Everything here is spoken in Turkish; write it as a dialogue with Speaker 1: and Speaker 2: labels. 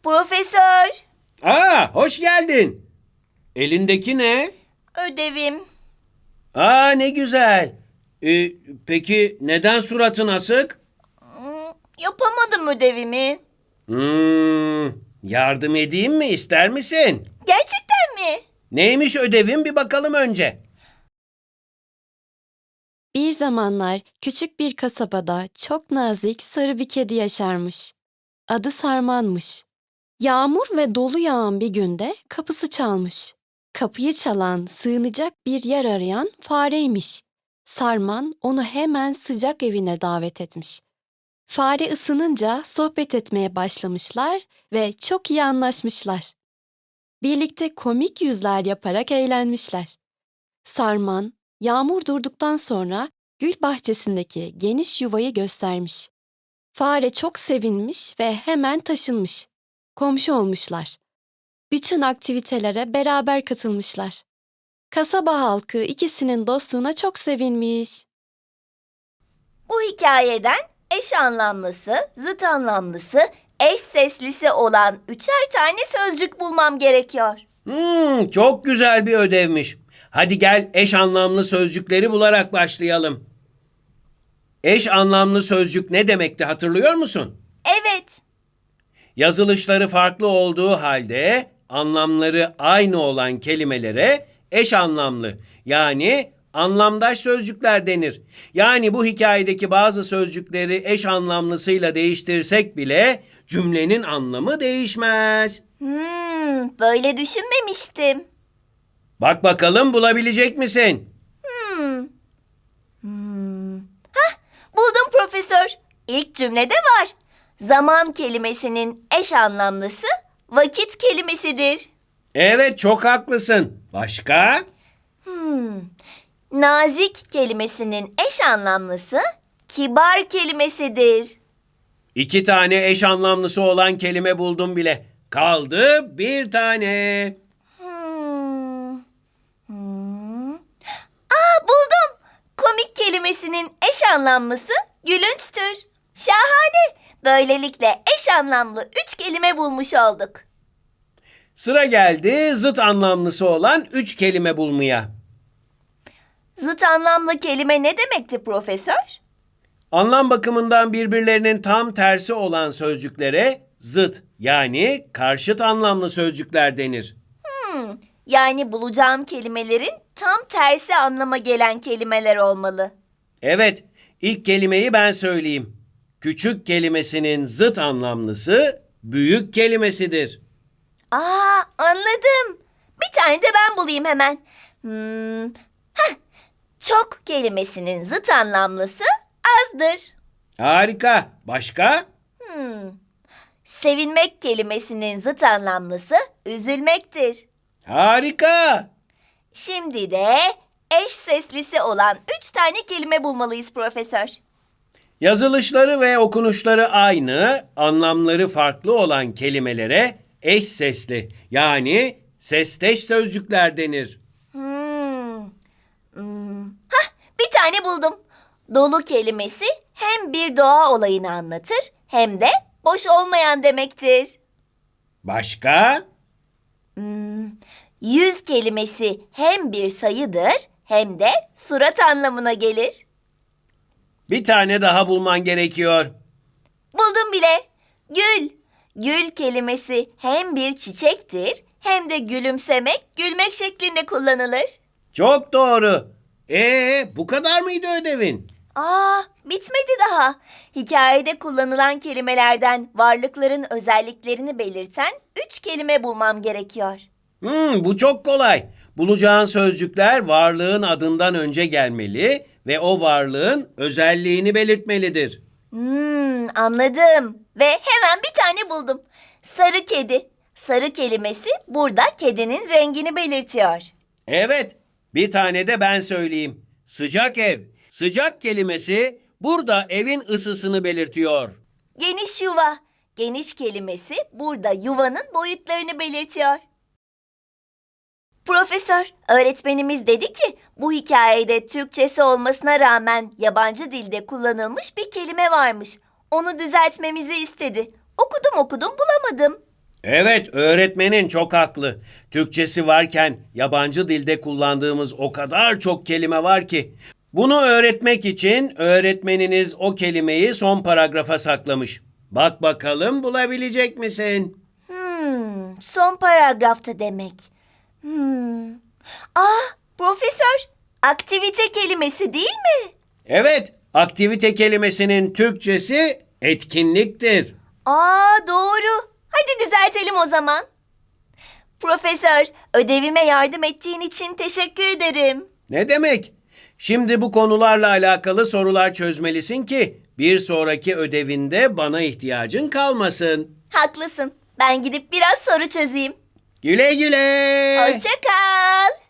Speaker 1: Profesör,
Speaker 2: Aa, hoş geldin. Elindeki ne?
Speaker 1: ödevim.
Speaker 2: Aa, ne güzel. Peki neden suratın asık?
Speaker 1: Yapamadım ödevimi.
Speaker 2: Yardım edeyim mi, ister misin?
Speaker 1: Gerçekten mi?
Speaker 2: Neymiş ödevin, bir bakalım önce.
Speaker 3: Bir zamanlar küçük bir kasabada çok nazik sarı bir kedi yaşarmış. Adı Sarman'mış. Yağmur ve dolu yağan bir günde kapısı çalmış. Kapıyı çalan, sığınacak bir yer arayan fareymiş. Sarman onu hemen sıcak evine davet etmiş. Fare ısınınca sohbet etmeye başlamışlar ve çok iyi anlaşmışlar. Birlikte komik yüzler yaparak eğlenmişler. Sarman, yağmur durduktan sonra gül bahçesindeki geniş yuvayı göstermiş. Fare çok sevinmiş ve hemen taşınmış. Komşu olmuşlar. Bütün aktivitelere beraber katılmışlar. Kasaba halkı ikisinin dostluğuna çok sevinmiş.
Speaker 1: Bu hikayeden eş anlamlısı, zıt anlamlısı, eş seslisi olan 3'er tane sözcük bulmam gerekiyor.
Speaker 2: Çok güzel bir ödevmiş. Hadi gel eş anlamlı sözcükleri bularak başlayalım. Eş anlamlı sözcük ne demekti, hatırlıyor musun?
Speaker 1: Evet,
Speaker 2: Yazılışları farklı olduğu halde anlamları aynı olan kelimelere eş anlamlı, yani anlamdaş sözcükler denir. Yani bu hikayedeki bazı sözcükleri eş anlamlısıyla değiştirsek bile cümlenin anlamı değişmez.
Speaker 1: böyle düşünmemiştim.
Speaker 2: Bak bakalım, bulabilecek misin?
Speaker 1: Buldum profesör. İlk cümlede var. Zaman kelimesinin eş anlamlısı vakit kelimesidir.
Speaker 2: Evet, çok haklısın. Başka?
Speaker 1: Nazik kelimesinin eş anlamlısı kibar kelimesidir.
Speaker 2: 2 tane eş anlamlısı olan kelime buldum bile. Kaldı bir tane.
Speaker 1: Buldum. Komik kelimesinin eş anlamlısı gülünçtür. Şahane. Böylelikle eş anlamlı 3 kelime bulmuş olduk.
Speaker 2: Sıra geldi zıt anlamlısı olan 3 kelime bulmaya.
Speaker 1: Zıt anlamlı kelime ne demekti profesör?
Speaker 2: Anlam bakımından birbirlerinin tam tersi olan sözcüklere zıt, yani karşıt anlamlı sözcükler denir.
Speaker 1: Yani bulacağım kelimelerin tam tersi anlama gelen kelimeler olmalı.
Speaker 2: Evet, ilk kelimeyi ben söyleyeyim. Küçük kelimesinin zıt anlamlısı büyük kelimesidir.
Speaker 1: Anladım. Bir tane de ben bulayım hemen. Çok kelimesinin zıt anlamlısı azdır.
Speaker 2: Harika. Başka?
Speaker 1: Sevinmek kelimesinin zıt anlamlısı üzülmektir.
Speaker 2: Harika.
Speaker 1: Şimdi de eş seslisi olan 3 tane kelime bulmalıyız profesör.
Speaker 2: Yazılışları ve okunuşları aynı, anlamları farklı olan kelimelere eş sesli, yani sesteş sözcükler denir.
Speaker 1: Bir tane buldum. Dolu kelimesi hem bir doğa olayını anlatır hem de boş olmayan demektir.
Speaker 2: Başka?
Speaker 1: Yüz kelimesi hem bir sayıdır hem de surat anlamına gelir.
Speaker 2: Bir tane daha bulman gerekiyor.
Speaker 1: Buldum bile. Gül. Gül kelimesi hem bir çiçektir hem de gülümsemek, gülmek şeklinde kullanılır.
Speaker 2: Çok doğru. Bu kadar mıydı ödevin?
Speaker 1: Bitmedi daha. Hikayede kullanılan kelimelerden varlıkların özelliklerini belirten 3 kelime bulmam gerekiyor.
Speaker 2: Bu çok kolay. Bulacağın sözcükler varlığın adından önce gelmeli ve o varlığın özelliğini belirtmelidir.
Speaker 1: Anladım. Ve hemen bir tane buldum. Sarı kedi. Sarı kelimesi burada kedinin rengini belirtiyor.
Speaker 2: Evet, bir tane de ben söyleyeyim. Sıcak ev. Sıcak kelimesi burada evin ısısını belirtiyor.
Speaker 1: Geniş yuva. Geniş kelimesi burada yuvanın boyutlarını belirtiyor. Profesör, öğretmenimiz dedi ki bu hikayede Türkçesi olmasına rağmen yabancı dilde kullanılmış bir kelime varmış. Onu düzeltmemizi istedi. Okudum bulamadım.
Speaker 2: Evet, öğretmenin çok haklı. Türkçesi varken yabancı dilde kullandığımız o kadar çok kelime var ki. Bunu öğretmek için öğretmeniniz o kelimeyi son paragrafa saklamış. Bak bakalım bulabilecek misin?
Speaker 1: Son paragrafta demek. Profesör, aktivite kelimesi değil mi?
Speaker 2: Evet, aktivite kelimesinin Türkçesi etkinliktir.
Speaker 1: Doğru. Hadi düzeltelim o zaman. Profesör, ödevime yardım ettiğin için teşekkür ederim.
Speaker 2: Ne demek? Şimdi bu konularla alakalı sorular çözmelisin ki bir sonraki ödevinde bana ihtiyacın kalmasın.
Speaker 1: Haklısın. Ben gidip biraz soru çözeyim.
Speaker 2: Güle güle.
Speaker 1: Hoşça kal.